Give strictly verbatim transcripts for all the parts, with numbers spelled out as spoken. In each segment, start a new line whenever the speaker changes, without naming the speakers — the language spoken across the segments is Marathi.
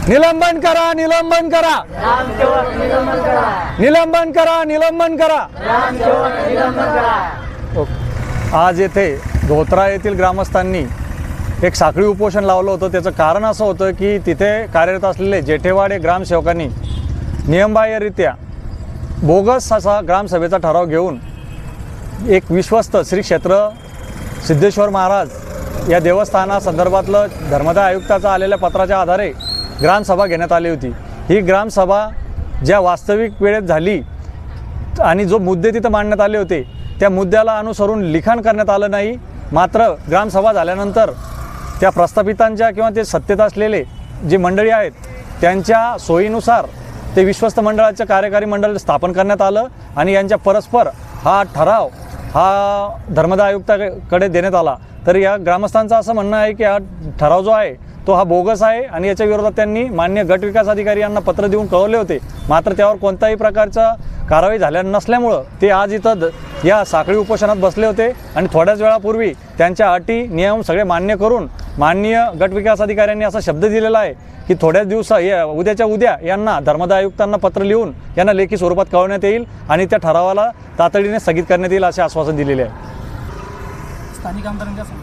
निलंबन करा निलंबन करा निलंबन करा निलंबन करा। आज येथे धोत्रा येथील ग्रामस्थांनी एक साखळी उपोषण लावलं होतं। त्याचं कारण असं होतं की तिथे कार्यरत असलेले जेठेवाडे ग्रामसेवकांनी नियमबाह्यरित्या बोगस असा ग्रामसभेचा ठराव घेऊन एक विश्वस्त श्री क्षेत्र सिद्धेश्वर महाराज या देवस्थानासंदर्भातलं धर्मदाय आयुक्ताचं आलेल्या पत्राच्या आधारे ग्रामसभा घेण्यात आली होती। ही ग्रामसभा ज्या वास्तविक वेळेत झाली आणि जो मुद्दे तिथं मांडण्यात आले होते त्या मुद्द्याला अनुसरून लिखाण करण्यात आलं नाही। मात्र ग्रामसभा झाल्यानंतर त्या प्रस्थापितांच्या किंवा ते सत्तेत असलेले जे मंडळी आहेत त्यांच्या सोयीनुसार ते विश्वस्त मंडळाचं कार्यकारी मंडळ स्थापन करण्यात आलं आणि यांच्या परस्पर हा ठराव हा धर्मदाय आयुक्ताकडे देण्यात आला। तर या ग्रामस्थांचं असं म्हणणं आहे की हा ठराव जो आहे तो हा बोगस आहे आणि याच्या विरोधात त्यांनी मान्य गट विकास अधिकारी यांना पत्र देऊन कळवले होते। मात्र त्यावर कोणत्याही प्रकारचा कारवाई झाल्या नसल्यामुळं ते आज इथं या साखळी उपोषणात बसले होते आणि थोड्याच वेळापूर्वी त्यांच्या अटी नियम सगळे मान्य करून माननीय गट विकास अधिकाऱ्यांनी असा शब्द दिलेला आहे की थोड्याच दिवसा या उद्याच्या उद्या यांना धर्मदाय आयुक्तांना पत्र लिहून यांना लेखी स्वरूपात कळवण्यात येईल आणि त्या ठरावाला तातडीने स्थगित करण्यात येईल असे आश्वासन दिलेले आहे।
स्थानिक आमदारांच्या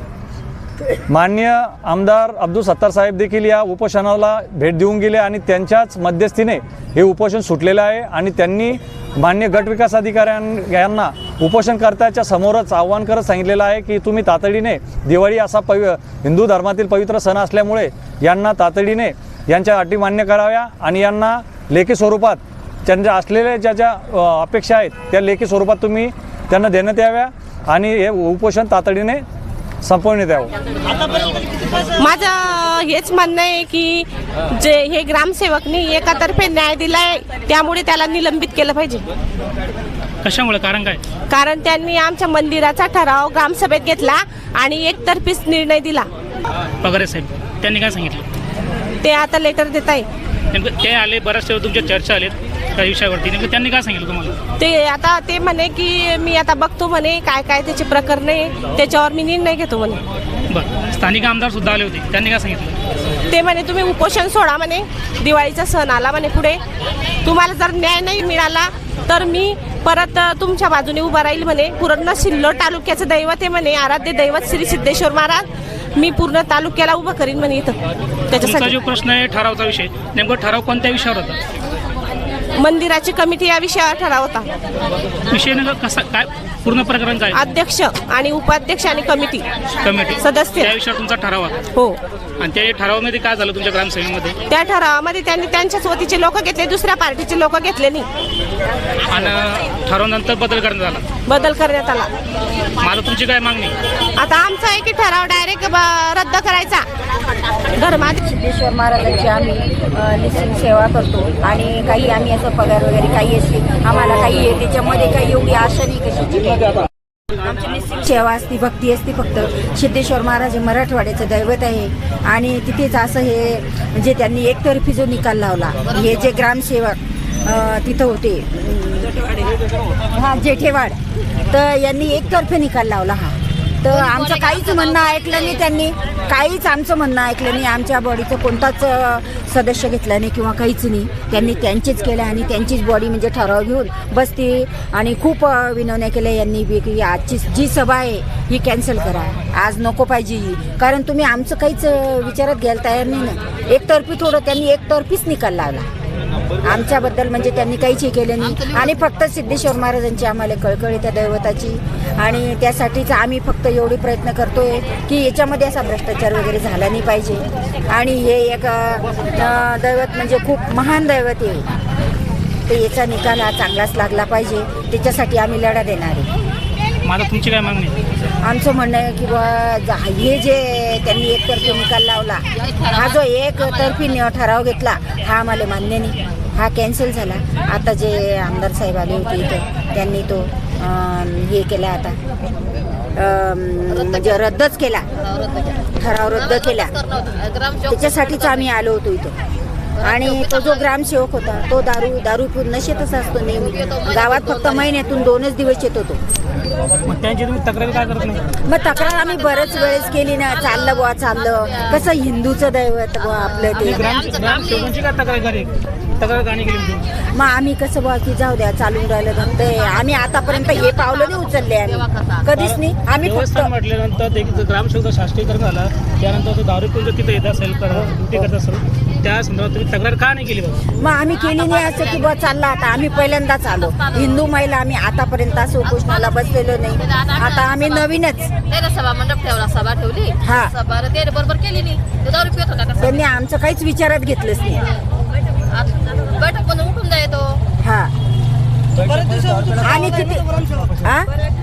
माननीय आमदार अब्दुल सत्तार साहेब देखील या उपोषणाला भेट देऊन गेले आणि त्यांच्याच मध्यस्थीने हे उपोषण सुटलेलं आहे आणि त्यांनी मान्य गट विकास अधिकाऱ्यां यांना उपोषणकर्त्याच्या समोरच आव्हान करत सांगितलेलं आहे की तुम्ही तातडीने दिवाळी असा पवि हिंदू धर्मातील पवित्र सण असल्यामुळे यांना तातडीने यांच्या अटी मान्य कराव्या आणि यांना लेखी स्वरूपात त्यांच्या असलेल्या ज्या ज्या अपेक्षा आहेत त्या लेखी स्वरूपात तुम्ही त्यांना देण्यात याव्या आणि हे उपोषण तातडीने संपवण्यात यावं।
माझं हेच म्हणणं आहे की जे हे ग्रामसेवकनी एकातर्फे न्याय दिलाय त्यामुळे त्याला निलंबित केलं पाहिजे।
कशामुळे कारण काय?
कारण त्यांनी आमच्या मंदिराचा ठराव ग्रामसभेत घेतला आणि एकतर्फीच निर्णय दिला।
पगारे साहेब त्यांनी काय सांगितलं?
ते आता लेटर देत आहे।
नेमकं ते आले बऱ्याच वेळ तुमच्या चर्चा आलेत त्या विषयावरती, नेमकं त्यांनी काय सांगितलं तुम्हाला?
ते आता ते म्हणे की मी आता बघतो म्हणे काय काय त्याचे प्रकरण आहे त्याच्यावर मी निर्णय घेतो म्हणे।
बरं, स्थानिक आमदार सुद्धा आले होते, त्यांनी काय सांगितलं?
ते म्हणे तुम्ही उपोषण सोडा म्हणे, दिवाळीचा सण आला म्हणे पुढे, तुम्हाला जर न्याय नाही मिळाला तर मी परत तुमच्या बाजूने उभा राहील म्हणे। पूर्ण सिल्लोड तालुक्याचं दैवत आहे म्हणे, आराध्य दैवत श्री सिद्धेश्वर महाराज, मी पूर्ण तालुक्याला उभं करीन म्हणे इथं।
त्याच्यासाठी जो प्रश्न आहे ठरावचा विषय, नेमकं ठराव कोणत्या विषयावर होता?
मंदिराची कमिटी या विषयावर ठराव होता।
विषय नेमका कसा काय पूर्ण प्रकरण काय?
अध्यक्ष आणि उपाध्यक्ष आणि कमिटी
कमिटी
सदस्य
त्या विषयावर तुमचा ठराव होता?
हो।
आणि त्या ठरावामध्ये काय झालं तुमच्या ग्रामसभेमध्ये?
त्या ठरावामध्ये त्यांनी त्यांच्याच वतीचे लोक घेतले, दुसऱ्या पार्टीचे लोक घेतले नाही
आणि ठरावानंतर बदल करण्यात आला?
बदल करण्यात आला।
माझं तुमची काय मागणी?
आता आमचा आहे की ठराव डायरेक्ट रद्द करायचा। धर्मात
सिद्धेश्वर महाराजांची आम्ही निश्चित सेवा करतो आणि काही आम्ही असं पगार वगैरे काही असते आम्हाला काही त्याच्यामध्ये काही एवढी आशा नाही कशाची काही। आमची निश्चित सेवा असते, भक्ती असते। फक्त सिद्धेश्वर महाराज हे मराठवाड्याचं दैवत आहे आणि तिथेच असं हे म्हणजे त्यांनी एकतर्फी जो निकाल लावला, हे जे ग्रामसेवक तिथं होते हा जेठेवाड, तर यांनी एकतर्फे निकाल लावला हा। तर आमचं काहीच म्हणणं ऐकलं नाही त्यांनी, काहीच आमचं म्हणणं ऐकलं नाही। आमच्या बॉडीचं कोणताच सदस्य घेतला नाही किंवा काहीच नाही, त्यांनी त्यांचीच केलं आणि त्यांचीच बॉडी म्हणजे ठराव घेऊन बसती आणि खूप विनवण्या केल्या यांनी बी की आजची जी सभा आहे ही कॅन्सल करा, आज नको पाहिजे ही, कारण तुम्ही आमचं काहीच विचारात घ्यायला तयार नाही ना। एकतर्फी थोडं त्यांनी एकतर्फीच निकाल लावला आमच्याबद्दल, म्हणजे त्यांनी काहीच हे केलं नाही आणि फक्त सिद्धेश्वर महाराजांची आम्हाला कळकळी त्या दैवताची आणि त्यासाठीच आम्ही फक्त एवढे प्रयत्न करतोय की याच्यामध्ये असा भ्रष्टाचार वगैरे झाला नाही पाहिजे आणि हे एक दैवत म्हणजे खूप महान दैवत आहे, तर याचा निकाल हा चांगलाच लागला पाहिजे, त्याच्यासाठी आम्ही लढा देणार आहे।
माझा तुमची काय मागणी?
आमचं म्हणणं आहे की बा हे जे त्यांनी एकतर्फी निकाल लावला, हा जो एकतर्फी ठराव घेतला हा आम्हाला मान्य नाही, हा कॅन्सल झाला। आता जे आमदार साहेब आले होते इथं त्यांनी तो हे केला, आता म्हणजे रद्दच केला, ठराव रद्द केला, त्याच्यासाठीच आम्ही आलो होतो इथं। आणि तो जो ग्रामसेवक होता तो दारू दारू पिऊन नशेतच असतो नेहमी. गावात फक्त महिन्यातून दोनच दिवस येतो तो.
मग त्यांची तुम्ही तक्रारी काय करत नाही?
मग तक्रार आम्ही बरेच वेळेस केली ना, चाललं बुवा चाललं, कसं हिंदूचं दैवत बुवा आपलं ते.
ग्राम ग्रामसेवकांची काय तक्रार करी तक्रार का नाही केली तुम्ही?
मग आम्ही कसं बुवा की जाऊ द्या चालून राहिलं धंदे, आम्ही आतापर्यंत हे पावलं नाही उचलले आम्ही कधीच नाही. आम्ही फक्त
देवस्थान म्हटल्यानंतर एक ग्रामसेवक शास्त्रीकरण झाला, त्यानंतर तो दारू पिऊन जर तिथे येत असेल ड्युटी करत असेल, त्या संदर्भात तुम्ही तक्रार का नाही केली बाबा?
मग आम्ही केली नाही असं की बुवा चालला. आता आम्ही पहिल्यांदाच आलो हिंदू महिला, आम्ही आतापर्यंत असं उपोषणाला बसलेलो नाही. आता आम्ही नवीनच.
त्याला सभा मंडप ठेवला, सभा ठेवली,
हा.
सभा ते बरोबर केली नाही, ते दारू पित होता का?
त्यांनी आमचं काहीच विचारात घेतलंच नाही.
बैठक पण उठून जायतो.
हा आणि किती हा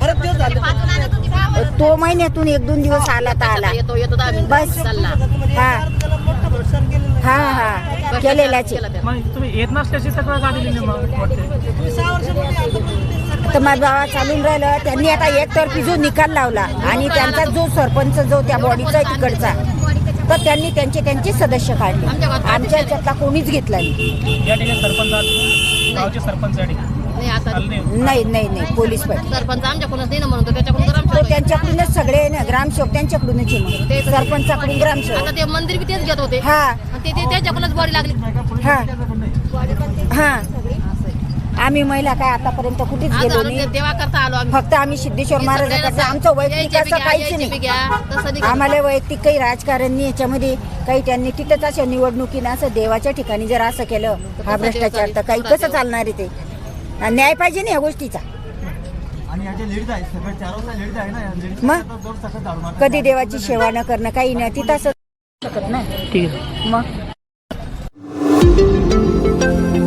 तो महिन्यातून एक दोन दिवस आला तर आला
येतो येतो दहा मिनिटं
बस.
चालला.
हा हा हा केलेल्याचे.
मग तुम्ही येत नसल्याची तक्रार का दिली नाही मग वाटते?
तर माझा बाबा चालून राहिलं. त्यांनी आता एकतर्फी जो निकाल लावला आणि त्यांचा जो सरपंच जो त्या बॉडीचा आहे तिकडचा, तर त्यांनी त्यांचे त्यांचे सदस्य काढले. आमच्या याच्यातला कोणीच घेतला नाही.
या ठिकाणी सरपंच गावचे सरपंच या ठिकाणी
नाही आता
आले नाही.
नाही नाही नाही पोलीस पाटील
सरपंच आमच्याकडूनच नाही ना, म्हणून तो त्याच्याकडून गरम
तो त्यांच्याकडूनच सगळे ना, ग्रामसेवक त्यांच्याकडूनच आहे मग. सरपंचाकडून ग्रामसेवक.
आता ते मंदिर बी तेच घेत होते.
हा
आणि ते ते त्याच्याकडूनच बॉडी लागली.
हा हा आम्ही महिला काय आतापर्यंत कुठेच
आज
गेलो
आलो
नाही.
ते देवा करता आलो आम्ही.
फक्त आम्ही सिद्धेश्वर महाराजांचं आमचं वैयक्तिक असं काहीच नाही.
नाही.
आम्हाला वैयक्तिक काही राजकारण नाही याच्यामध्ये काही. त्यांनी तिथंच अशा निवडणुकीनं असं देवाच्या ठिकाणी जर असं केलं हा भ्रष्टाचार, तर काही कसं चालणार आहे ते? न्याय पाहिजे ना या गोष्टीचा. मग कधी देवाची सेवा न करणं काही नाही तिथं असं शकत नाही.
ठीक आहे.
मग